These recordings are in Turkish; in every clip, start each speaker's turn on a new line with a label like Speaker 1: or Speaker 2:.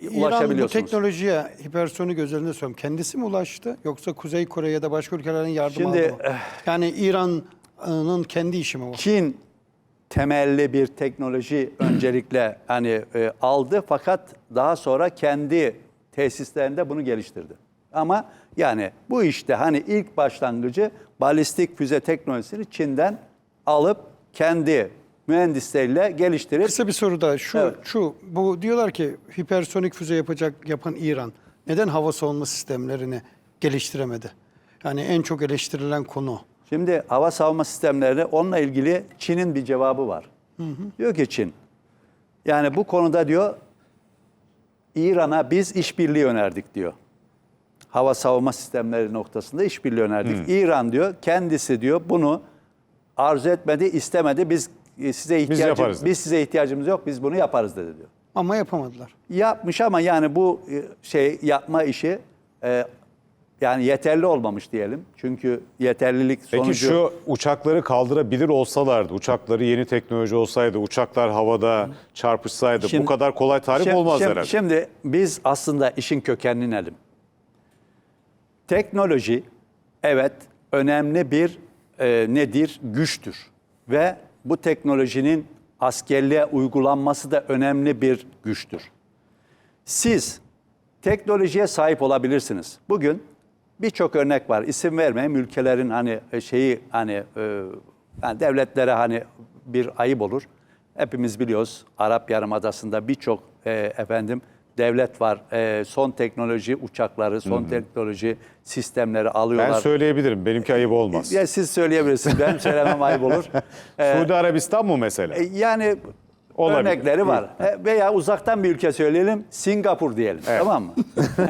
Speaker 1: ulaşabiliyorsunuz.
Speaker 2: İran bu teknolojiye hipersonik özelinde söylüyorum. Kendisi mi ulaştı yoksa Kuzey Kore ya da başka ülkelerin yardımı aldı mı? Yani İran'ın kendi işi mi bu?
Speaker 1: Çin temelli bir teknoloji öncelikle hani aldı fakat daha sonra kendi tesislerinde bunu geliştirdi. Ama yani bu işte hani ilk başlangıcı balistik füze teknolojisini Çin'den alıp kendi mühendisleriyle geliştirip.
Speaker 2: Kısa bir soru daha.
Speaker 1: Evet.
Speaker 2: Bu diyorlar ki hipersonik füze yapan İran neden hava savunma sistemlerini geliştiremedi? Yani en çok eleştirilen konu.
Speaker 1: Şimdi hava savunma sistemleri onunla ilgili Çin'in bir cevabı var. Diyor ki Çin, yani bu konuda diyor İran'a biz işbirliği önerdik diyor. Hava savunma sistemleri noktasında işbirliği önerdik. İran diyor kendisi diyor bunu arzu etmedi, istemedi. Biz size ihtiyacımız yok. Biz bunu yaparız dedi diyor.
Speaker 2: Ama yapamadılar.
Speaker 1: Yapmış ama yani bu yapma işi yani yeterli olmamış diyelim. Çünkü yeterlilik sonucu...
Speaker 3: Peki şu uçakları kaldırabilir olsalardı, uçakları yeni teknoloji olsaydı, uçaklar havada çarpışsaydı bu kadar kolay tarif olmaz herhalde.
Speaker 1: Şimdi biz aslında işin kökenine inelim. Teknoloji evet önemli bir nedir? Güçtür. Ve bu teknolojinin askerliğe uygulanması da önemli bir güçtür. Siz teknolojiye sahip olabilirsiniz. Bugün birçok örnek var. İsim vermeyeyim, ülkelerin hani yani devletlere hani bir ayıp olur. Hepimiz biliyoruz Arap Yarımadası'nda birçok devlet var. Son teknoloji uçakları, son teknoloji sistemleri alıyorlar.
Speaker 3: Ben söyleyebilirim. Benimki ayıp olmaz.
Speaker 1: Ya siz söyleyebilirsiniz. Benim söylemem ayıp olur.
Speaker 3: Suudi Arabistan mı mesela?
Speaker 1: Yani
Speaker 3: olabilir.
Speaker 1: Örnekleri var. Veya uzaktan bir ülke söyleyelim. Singapur diyelim. Evet. Tamam mı?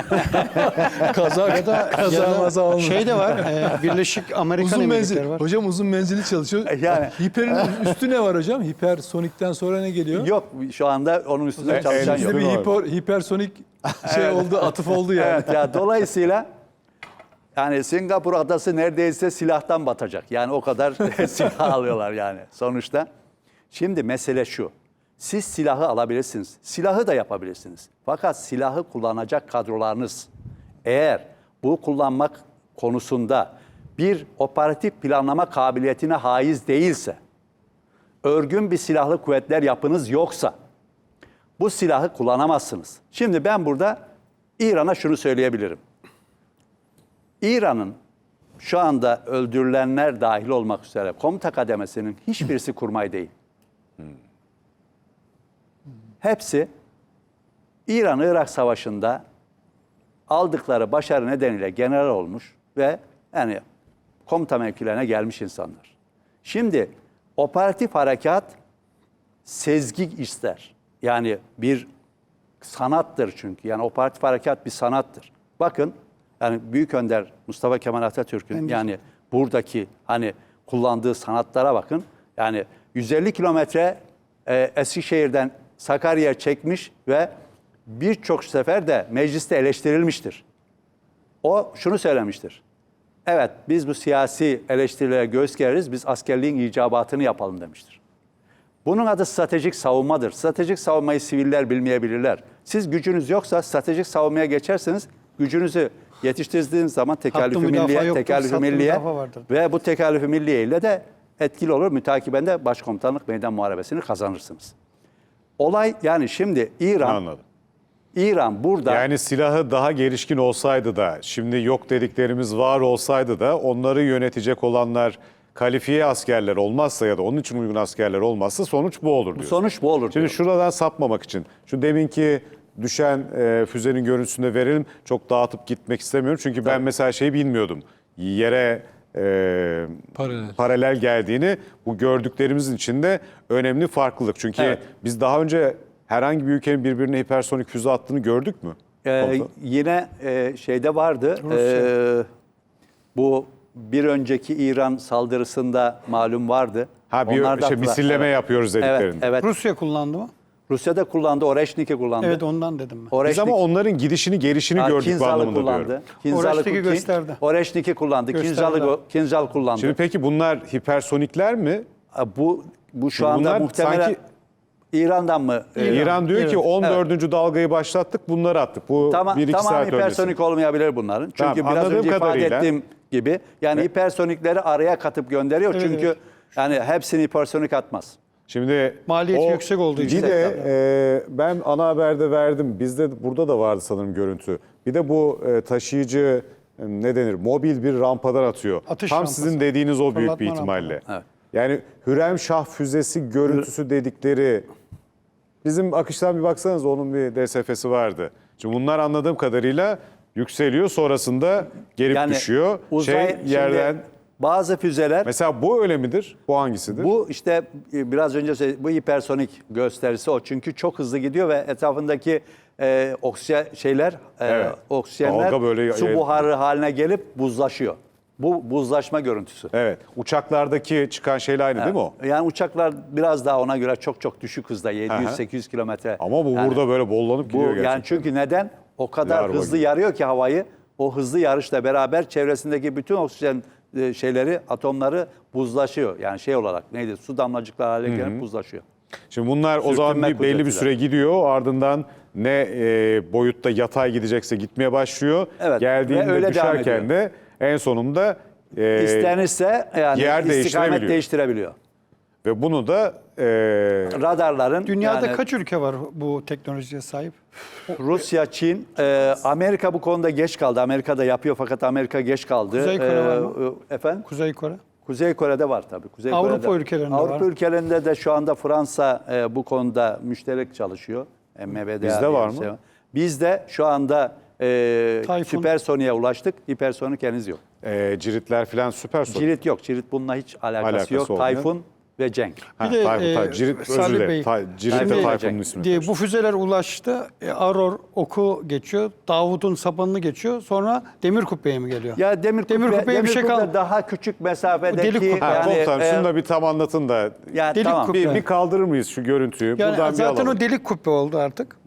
Speaker 2: Kaza şey de var. Birleşik Amerikan
Speaker 4: uzun
Speaker 2: Emirlikleri
Speaker 4: menzil.
Speaker 2: var.
Speaker 4: Hocam uzun menzili çalışıyor.
Speaker 1: Yani.
Speaker 4: Hiperin üstü ne var hocam? Hipersonikten sonra ne geliyor?
Speaker 1: Yok şu anda onun üstünde çalışan yok.
Speaker 4: Bizde bir hipersonik oldu, atıf oldu yani.
Speaker 1: Evet ya dolayısıyla yani Singapur adası neredeyse silahtan batacak. Yani o kadar silah alıyorlar yani sonuçta. Şimdi mesele şu. Siz silahı alabilirsiniz. Silahı da yapabilirsiniz. Fakat silahı kullanacak kadrolarınız eğer bu kullanmak konusunda bir operatif planlama kabiliyetine haiz değilse, örgün bir silahlı kuvvetler yapınız yoksa bu silahı kullanamazsınız. Şimdi ben burada İran'a şunu söyleyebilirim. İran'ın şu anda öldürülenler dahil olmak üzere komuta kademesinin hiçbirisi kurmay değil. Hepsi İran-Irak Savaşı'nda aldıkları başarı nedeniyle general olmuş ve yani komuta mevkilerine gelmiş insanlar. Şimdi operatif harekat sezgi ister. Yani bir sanattır çünkü. Yani operatif harekat bir sanattır. Bakın yani Büyük Önder Mustafa Kemal Atatürk'ün yani buradaki hani kullandığı sanatlara bakın. Yani 150 kilometre Eskişehir'den Sakarya'ya çekmiş ve birçok sefer de mecliste eleştirilmiştir. O şunu söylemiştir. Evet biz bu siyasi eleştirilere göğüs gereriz, biz askerliğin icabatını yapalım demiştir. Bunun adı stratejik savunmadır. Stratejik savunmayı siviller bilmeyebilirler. Siz gücünüz yoksa stratejik savunmaya geçerseniz gücünüzü yetiştirdiğiniz zaman tekalifi milliye ve bu tekalifi milliye ile de etkili olur. Mütakiben de başkomutanlık meydan muharebesini kazanırsınız. Olay yani şimdi İran burada...
Speaker 3: Yani silahı daha gelişkin olsaydı da, şimdi yok dediklerimiz var olsaydı da onları yönetecek olanlar kalifiye askerler olmazsa ya da onun için uygun askerler olmazsa sonuç bu olur diyorsun.
Speaker 1: Sonuç bu olur.
Speaker 3: Şimdi şuradan sapmamak için, şu deminki düşen füzenin görüntüsünü verelim. Çok dağıtıp gitmek istemiyorum. Çünkü ben mesela şeyi bilmiyordum. Yere paralel geldiğini, bu gördüklerimizin içinde önemli farklılık. Çünkü biz daha önce herhangi bir ülkenin birbirine hipersonik füze attığını gördük mü?
Speaker 1: Yine şeyde vardı. Bu bir önceki İran saldırısında malum vardı.
Speaker 3: Bir misilleme yapıyoruz dediklerinde.
Speaker 1: Evet.
Speaker 2: Rusya kullandı mı?
Speaker 1: Rusya'da kullandı, Oreşnik'i kullandı.
Speaker 2: Evet ondan dedim ben.
Speaker 3: Biz ama onların gidişini, gelişini gördük bu anlamında diyorum.
Speaker 2: Oreşnik'i gösterdi.
Speaker 1: Oreşnik'i kullandı, Kinzal kullandı.
Speaker 3: Şimdi peki bunlar hipersonikler mi?
Speaker 1: Bu şu anda muhtemelen İran'dan mı?
Speaker 3: İran diyor ki 14. dalgayı başlattık, bunları attık. Bu
Speaker 1: Tamam,
Speaker 3: 1-2
Speaker 1: tamam
Speaker 3: saat
Speaker 1: hipersonik
Speaker 3: öncesi.
Speaker 1: olmayabilir bunların. Çünkü
Speaker 3: Tamam,
Speaker 1: biraz
Speaker 3: anladığım
Speaker 1: önce ifade
Speaker 3: kadarıyla-
Speaker 1: ettiğim gibi yani hipersonikleri araya katıp gönderiyor.
Speaker 2: Evet,
Speaker 1: Çünkü
Speaker 2: evet.
Speaker 1: yani hepsini hipersonik atmaz.
Speaker 3: Şimdi
Speaker 2: Maliyeti yüksek olduğu için.
Speaker 3: Bir de ben ana haberde verdim. Bizde burada da vardı sanırım görüntü. Bir de bu taşıyıcı ne denir? Mobil bir rampadan atıyor.
Speaker 2: Atış
Speaker 3: Tam
Speaker 2: rampası.
Speaker 3: sizin dediğiniz o büyük bir
Speaker 2: Fırlatma
Speaker 3: ihtimalle.
Speaker 2: rampaları.
Speaker 1: Evet.
Speaker 3: Yani Hürremşah füzesi görüntüsü dedikleri bizim akıştan bir baksanız onun bir DSF'si vardı. Şimdi bunlar anladığım kadarıyla yükseliyor, sonrasında gelip düşüyor. Yerden
Speaker 1: şimdi bazı füzeler
Speaker 3: mesela bu öyle midir? Bu hangisidir?
Speaker 1: bu işte biraz önce bu hipersonik gösterisi o. Çünkü çok hızlı gidiyor ve etrafındaki
Speaker 3: Evet.
Speaker 1: oksijenler
Speaker 3: Dalga böyle
Speaker 1: su buharı haline gelip buzlaşıyor. Bu buzlaşma görüntüsü.
Speaker 3: Evet. Uçaklardaki çıkan şeyle aynı değil mi o?
Speaker 1: Yani uçaklar biraz daha ona göre çok düşük hızda 700-800 kilometre.
Speaker 3: Ama bu
Speaker 1: Yani
Speaker 3: burada böyle bollanıp
Speaker 1: bu
Speaker 3: gidiyor gerçekten.
Speaker 1: yani çünkü neden? O kadar
Speaker 3: Larva
Speaker 1: hızlı
Speaker 3: gibi.
Speaker 1: yarıyor ki havayı. O hızlı yarışla beraber çevresindeki bütün oksijen atomları buzlaşıyor. Yani şey olarak neydi? Su damlacıkları haline gelip buzlaşıyor.
Speaker 3: Şimdi bunlar o zaman
Speaker 1: Sürtünme
Speaker 3: belli bir
Speaker 1: kuvvetiyle.
Speaker 3: süre gidiyor. Ardından ne boyutta yatay gidecekse gitmeye başlıyor.
Speaker 1: Evet,
Speaker 3: Geldiğinde
Speaker 1: ve öyle devam
Speaker 3: düşerken de en sonunda
Speaker 1: İstenirse yani
Speaker 3: yer
Speaker 1: istikamet
Speaker 3: değiştirebiliyor.
Speaker 1: değiştirebiliyor.
Speaker 3: ve bunu da
Speaker 1: Radarların
Speaker 2: Dünyada
Speaker 1: yani
Speaker 2: kaç ülke var bu teknolojiye sahip?
Speaker 1: Rusya, Çin, Amerika bu konuda geç kaldı. Amerika da yapıyor fakat Amerika geç kaldı.
Speaker 2: Kuzey Kore var mı?
Speaker 1: Efendim?
Speaker 2: Kuzey Kore.
Speaker 1: Kuzey Kore'de var tabii. Kuzey
Speaker 2: Avrupa
Speaker 1: Kore'de.
Speaker 2: ülkelerinde
Speaker 1: Avrupa
Speaker 2: var.
Speaker 1: ülkelerinde de şu anda Fransa bu konuda müşterek çalışıyor. MBDA
Speaker 3: Bizde
Speaker 1: diye
Speaker 3: var
Speaker 1: bir
Speaker 3: mı?
Speaker 1: şey Bizde şu anda
Speaker 2: Tayfun.
Speaker 1: süpersoniğe ulaştık. Hipersonik henüz yok.
Speaker 3: ciritler falan süper soru.
Speaker 1: Cirit yok. Cirit bununla hiç alakası yok.
Speaker 3: olmayan.
Speaker 1: Tayfun ve Cenk.
Speaker 2: Bir de
Speaker 3: Cirit, özür
Speaker 2: Salih
Speaker 3: dilerim.
Speaker 2: Bey,
Speaker 3: Cirit de
Speaker 2: şimdi
Speaker 3: Tayfun'un ismi.
Speaker 2: diye bu füzeler ulaştı. Aror oku geçiyor. Davut'un sapanını geçiyor. Sonra Demir Kubbe'ye mi geliyor?
Speaker 1: Ya demir
Speaker 2: Kubbeye bir şey
Speaker 1: kubbe
Speaker 2: kaldı.
Speaker 1: daha küçük mesafedeki
Speaker 2: Delik kubbe.
Speaker 3: Ha, komutanım şunu
Speaker 1: e,
Speaker 3: da bir tam anlatın da
Speaker 1: yani
Speaker 2: Delik
Speaker 1: tamam.
Speaker 2: kubbe.
Speaker 3: bir kaldırır mıyız şu görüntüyü?
Speaker 2: Yani
Speaker 3: Buradan bir
Speaker 2: zaten
Speaker 3: alalım.
Speaker 2: o delik kubbe oldu artık.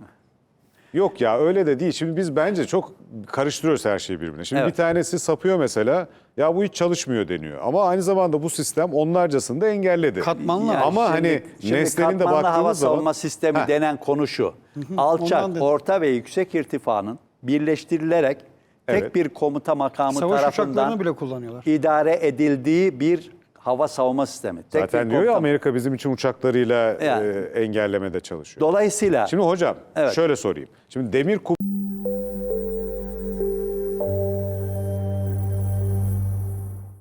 Speaker 3: Yok ya öyle de değil. Şimdi biz bence çok karıştırıyoruz her şeyi birbirine. Şimdi
Speaker 1: Evet.
Speaker 3: bir tanesi sapıyor mesela. Ya bu hiç çalışmıyor deniyor. Ama aynı zamanda bu sistem onlarcasını da engelledi.
Speaker 2: Katmanlı.
Speaker 1: Yani
Speaker 3: Ama hani
Speaker 1: şimdi
Speaker 3: nesnenin de
Speaker 1: katmanlı hava
Speaker 3: baktığımız zaman
Speaker 1: savunma sistemi
Speaker 3: Heh.
Speaker 1: denen konu şu. Alçak,
Speaker 2: ondan dedim.
Speaker 1: orta ve yüksek irtifanın birleştirilerek tek
Speaker 3: Evet.
Speaker 1: bir komuta makamı
Speaker 2: Savaş
Speaker 1: tarafından
Speaker 2: uçaklarını bile kullanıyorlar.
Speaker 1: idare edildiği bir hava savunma sistemi. Tek
Speaker 3: zaten
Speaker 1: bir
Speaker 3: diyor ya
Speaker 1: komuta-
Speaker 3: Amerika bizim için uçaklarıyla
Speaker 1: Yani.
Speaker 3: engellemede çalışıyor.
Speaker 1: Dolayısıyla
Speaker 3: Şimdi hocam
Speaker 1: Evet.
Speaker 3: şöyle sorayım. Şimdi demir kubbe